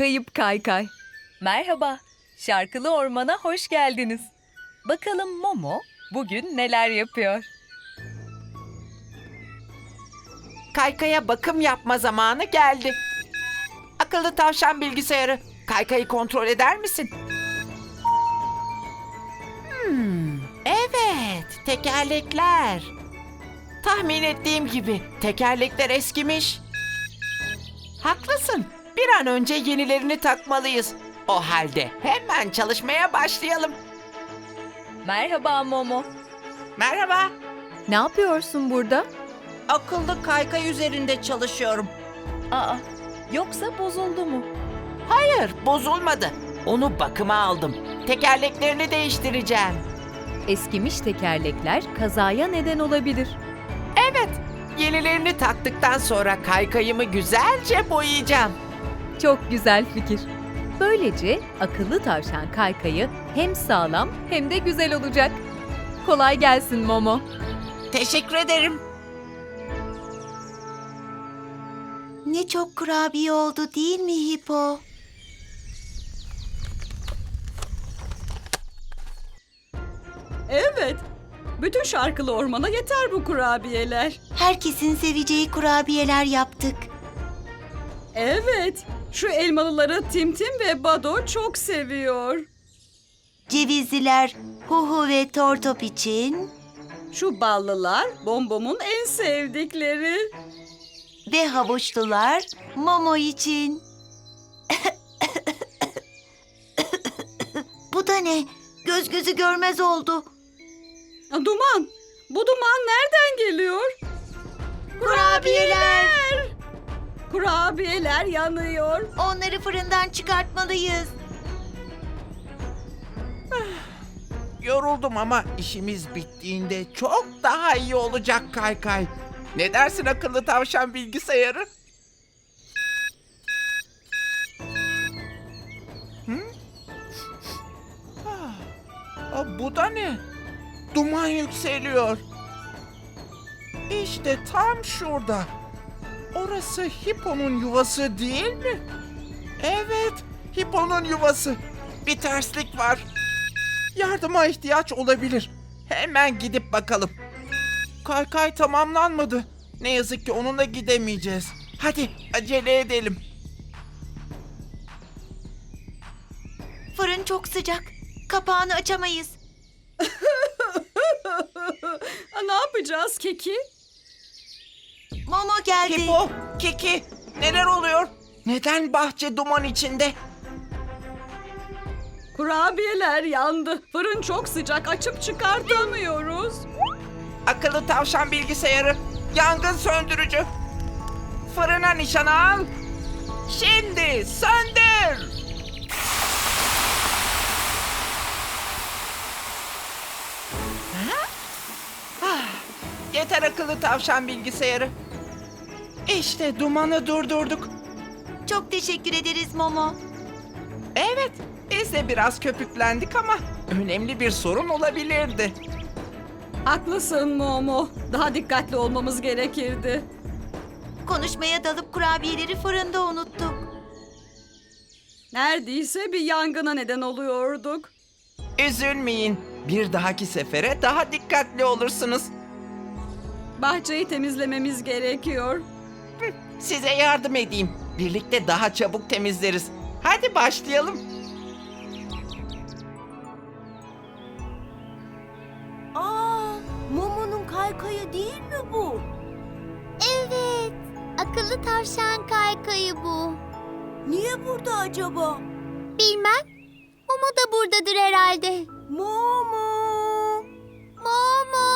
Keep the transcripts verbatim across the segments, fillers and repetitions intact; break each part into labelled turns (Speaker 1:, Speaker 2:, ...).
Speaker 1: Kayıp Kaykay.
Speaker 2: Merhaba, Şarkılı Orman'a hoş geldiniz. Bakalım Momo bugün neler yapıyor?
Speaker 3: Kaykaya bakım yapma zamanı geldi. Akıllı tavşan bilgisayarı, Kaykayı kontrol eder misin? Hmm, evet, tekerlekler. Tahmin ettiğim gibi tekerlekler eskimiş. Haklısın. Bir an önce yenilerini takmalıyız. O halde hemen çalışmaya başlayalım.
Speaker 2: Merhaba Momo.
Speaker 3: Merhaba.
Speaker 1: Ne yapıyorsun burada?
Speaker 3: Akıllı kaykay üzerinde çalışıyorum.
Speaker 2: Aa, yoksa bozuldu mu?
Speaker 3: Hayır, bozulmadı. Onu bakıma aldım. Tekerleklerini değiştireceğim.
Speaker 1: Eskimiş tekerlekler kazaya neden olabilir.
Speaker 3: Evet, yenilerini taktıktan sonra kaykayımı güzelce boyayacağım.
Speaker 1: Çok güzel fikir. Böylece akıllı tavşan Kaykay'ı hem sağlam hem de güzel olacak. Kolay gelsin Momo.
Speaker 3: Teşekkür ederim.
Speaker 4: Ne çok kurabiye oldu değil mi Hipo?
Speaker 5: Evet. Bütün şarkılı ormana yeter bu kurabiyeler.
Speaker 4: Herkesin seveceği kurabiyeler yaptık.
Speaker 5: Evet. Şu elmalıları Timtim ve Bado çok seviyor.
Speaker 4: Cevizliler Huhu ve Tortop için
Speaker 5: Şu ballılar Bombom'un en sevdikleri.
Speaker 4: ve havuçlular Momo için. Bu da ne? Göz gözü görmez oldu.
Speaker 5: Duman. Bu duman nereden geliyor?
Speaker 4: Kurabiyeler.
Speaker 5: Kurabiyeler yanıyor.
Speaker 4: Onları fırından çıkartmalıyız.
Speaker 3: Yoruldum ama işimiz bittiğinde çok daha iyi olacak Kaykay. Ne dersin akıllı tavşan bilgisayarı? Hı? Ah, ah, bu da ne? Duman yükseliyor. İşte tam şurada. Orası Hipo'nun yuvası değil mi? Evet, Hipo'nun yuvası. Bir terslik var. Yardıma ihtiyaç olabilir. Hemen gidip bakalım. Kaykay tamamlanmadı. Ne yazık ki onunla gidemeyeceğiz. Hadi acele edelim.
Speaker 4: Fırın çok sıcak. Kapağını açamayız.
Speaker 5: Ne yapacağız Keki?
Speaker 4: Momo geldi.
Speaker 3: Hipo, Kiki, neler oluyor? Neden bahçe duman içinde?
Speaker 5: Kurabiyeler yandı. Fırın çok sıcak. Açıp çıkartamıyoruz.
Speaker 3: Akıllı tavşan bilgisayarı, yangın söndürücü. Fırına nişan al. Şimdi söndür. Ha? Ah, yeter akıllı tavşan bilgisayarı. İşte dumanı durdurduk.
Speaker 4: Çok teşekkür ederiz Momo.
Speaker 3: Evet, biz de biraz köpüklendik ama önemli bir sorun olabilirdi.
Speaker 5: Haklısın Momo. Daha dikkatli olmamız gerekirdi.
Speaker 4: Konuşmaya dalıp kurabiyeleri fırında unuttuk.
Speaker 5: Neredeyse bir yangına neden oluyorduk.
Speaker 3: Üzülmeyin. Bir dahaki sefere daha dikkatli olursunuz.
Speaker 5: Bahçeyi temizlememiz gerekiyor.
Speaker 3: Size yardım edeyim. Birlikte daha çabuk temizleriz. Hadi başlayalım.
Speaker 4: Aa, Momo'nun kaykayı değil mi bu?
Speaker 6: Evet, akıllı tavşan kaykayı bu.
Speaker 4: Niye burada acaba?
Speaker 6: Bilmem, Momo da buradadır herhalde.
Speaker 4: Momo!
Speaker 6: Momo!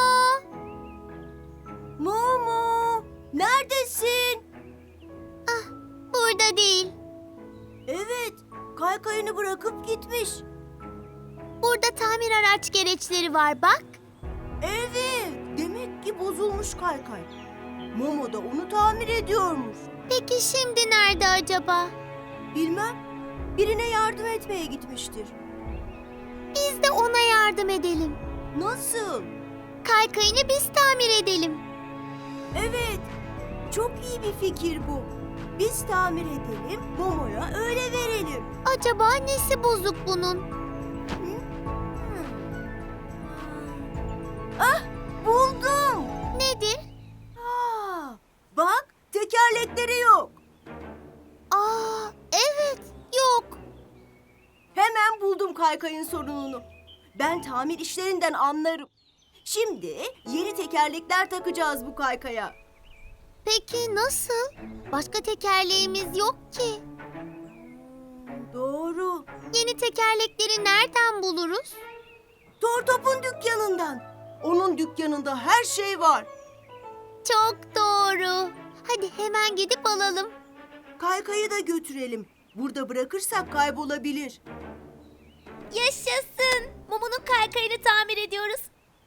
Speaker 4: Momo! Neredesin?
Speaker 6: Ah, burada değil.
Speaker 4: Evet, kaykayını bırakıp gitmiş.
Speaker 6: Burada tamir araç gereçleri var bak.
Speaker 4: Evet, demek ki bozulmuş kaykay. Momo da onu tamir ediyormuş.
Speaker 6: Peki şimdi nerede acaba?
Speaker 4: Bilmem, birine yardım etmeye gitmiştir.
Speaker 6: Biz de ona yardım edelim.
Speaker 4: Nasıl?
Speaker 6: Kaykayını biz tamir edelim.
Speaker 4: Evet, çok iyi bir fikir bu. Biz tamir edelim, Momo'ya öyle verelim.
Speaker 6: Acaba nesi bozuk bunun?
Speaker 4: Ah, buldum.
Speaker 6: Nedir?
Speaker 4: Aa, bak, tekerlekleri yok.
Speaker 6: Aa, evet, yok.
Speaker 4: Hemen buldum kaykayın sorununu. Ben tamir işlerinden anlarım. Şimdi yeni tekerlekler takacağız bu kaykaya.
Speaker 6: Peki nasıl? Başka tekerleğimiz yok ki.
Speaker 4: Doğru.
Speaker 6: Yeni tekerlekleri nereden buluruz?
Speaker 4: Tortop'un dükkanından. Onun dükkanında her şey var.
Speaker 6: Çok doğru. Hadi hemen gidip alalım.
Speaker 4: Kaykayı da götürelim. Burada bırakırsak kaybolabilir.
Speaker 6: Yaşasın. Mumu'nun kaykayını tamir ediyoruz.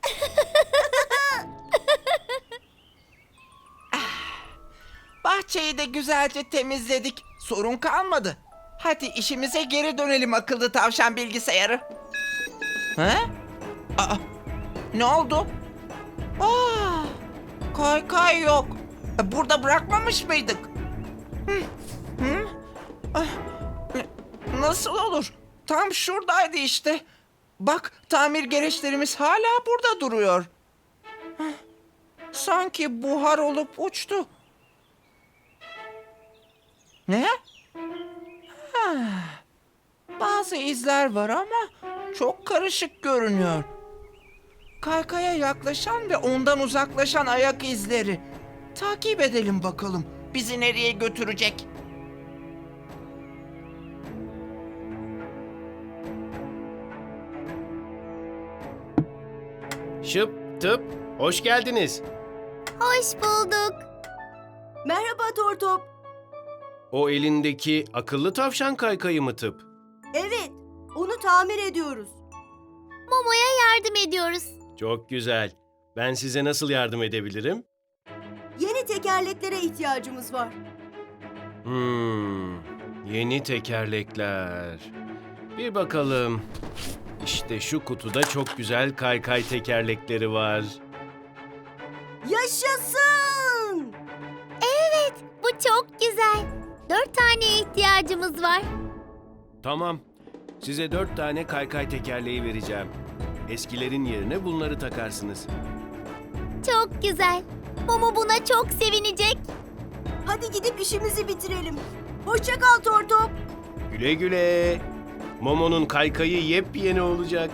Speaker 3: Bahçeyi de güzelce temizledik. Sorun kalmadı. Hadi işimize geri dönelim akıllı tavşan bilgisayarı. He? Aa, ne oldu? Aa, kaykay yok. E, Burada bırakmamış mıydık? Hı, hı? Ah, n- nasıl olur? Tam şuradaydı işte. Bak tamir gereçlerimiz hala burada duruyor. Hah, sanki buhar olup uçtu. Ne? Ha, bazı izler var ama çok karışık görünüyor. Kaykaya yaklaşan ve ondan uzaklaşan ayak izleri. Takip edelim bakalım. Bizi nereye götürecek?
Speaker 7: Şıp tıp, hoş geldiniz.
Speaker 6: Hoş bulduk.
Speaker 4: Merhaba Tortop.
Speaker 7: O elindeki akıllı tavşan kaykayı mı tıp?
Speaker 4: Evet, onu tamir ediyoruz.
Speaker 6: Momo'ya yardım ediyoruz.
Speaker 7: Çok güzel. Ben size nasıl yardım edebilirim?
Speaker 4: Yeni tekerleklere ihtiyacımız var.
Speaker 7: Hmm, yeni tekerlekler. Bir bakalım. İşte şu kutuda çok güzel kaykay tekerlekleri var.
Speaker 4: Yaşasın!
Speaker 6: Evet, bu çok güzel. Dört tane ihtiyacımız var.
Speaker 7: Tamam, size dört tane kaykay tekerleği vereceğim. Eskilerin yerine bunları takarsınız.
Speaker 6: Çok güzel. Momo buna çok sevinecek.
Speaker 4: Hadi gidip işimizi bitirelim. Hoşça kal Tortop.
Speaker 7: Güle güle. Momo'nun kaykayı yepyeni olacak.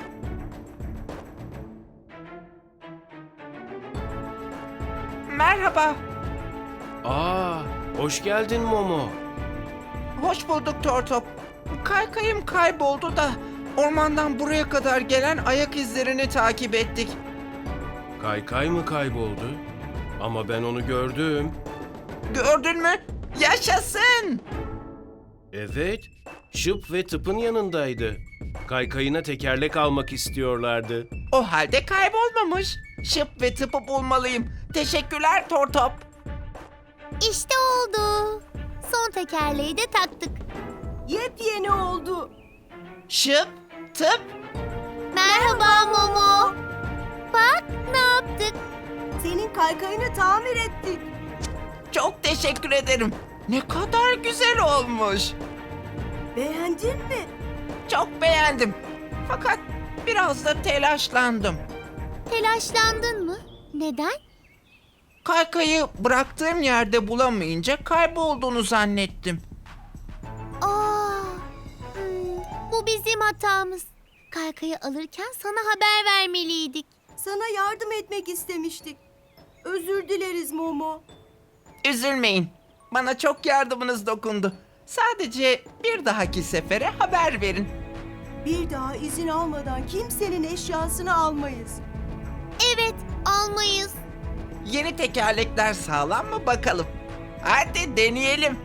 Speaker 3: Merhaba.
Speaker 7: Aa, hoş geldin Momo.
Speaker 3: Hoş bulduk Tortop. Kaykayım kayboldu da ormandan buraya kadar gelen ayak izlerini takip ettik.
Speaker 7: Kaykay mı kayboldu? Ama ben onu gördüm.
Speaker 3: Gördün mü? Yaşasın!
Speaker 7: Evet, Şıp ve Tıp'ın yanındaydı. Kaykayına tekerlek almak istiyorlardı.
Speaker 3: O halde kaybolmamış. Şıp ve tıpı bulmalıyım. Teşekkürler Tortop.
Speaker 6: İşte oldu. Son tekerleği de taktık.
Speaker 4: Yepyeni oldu.
Speaker 3: Şıp, tıp.
Speaker 6: Merhaba Momo. Bak ne yaptık.
Speaker 4: Senin kaykayını tamir ettik.
Speaker 3: Çok teşekkür ederim. Ne kadar güzel olmuş.
Speaker 4: Beğendin mi?
Speaker 3: Çok beğendim. Fakat biraz da telaşlandım.
Speaker 6: Telaşlandın mı? Neden?
Speaker 3: Kaykayı bıraktığım yerde bulamayınca kaybolduğunu zannettim.
Speaker 6: Aa, hmm, bu bizim hatamız. Kaykayı alırken sana haber vermeliydik.
Speaker 4: Sana yardım etmek istemiştik. Özür dileriz Momo.
Speaker 3: Üzülmeyin. Bana çok yardımınız dokundu. Sadece bir dahaki sefere haber verin.
Speaker 4: Bir daha izin almadan kimsenin eşyasını almayız.
Speaker 6: Evet, almayız.
Speaker 3: Yeni tekerlekler sağlam mı bakalım? Hadi deneyelim.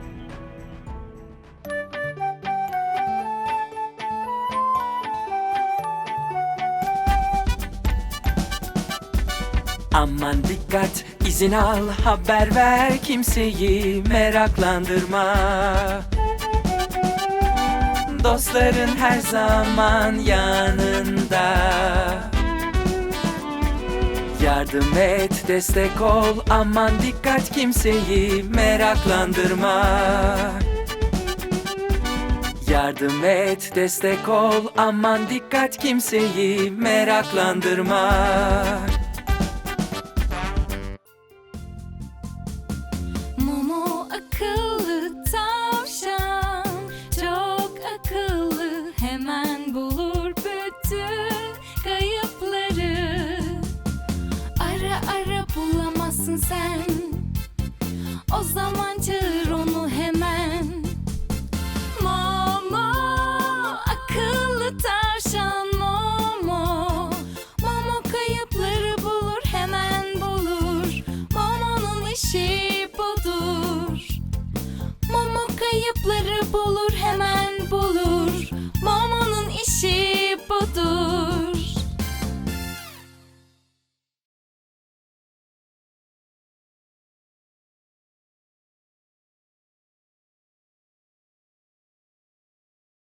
Speaker 8: Aman dikkat, izin al, haber ver, kimseyi meraklandırma. Dostların her zaman yanında. Yardım et, destek ol, aman dikkat kimseyi meraklandırma. Yardım et, destek ol, aman dikkat kimseyi meraklandırma.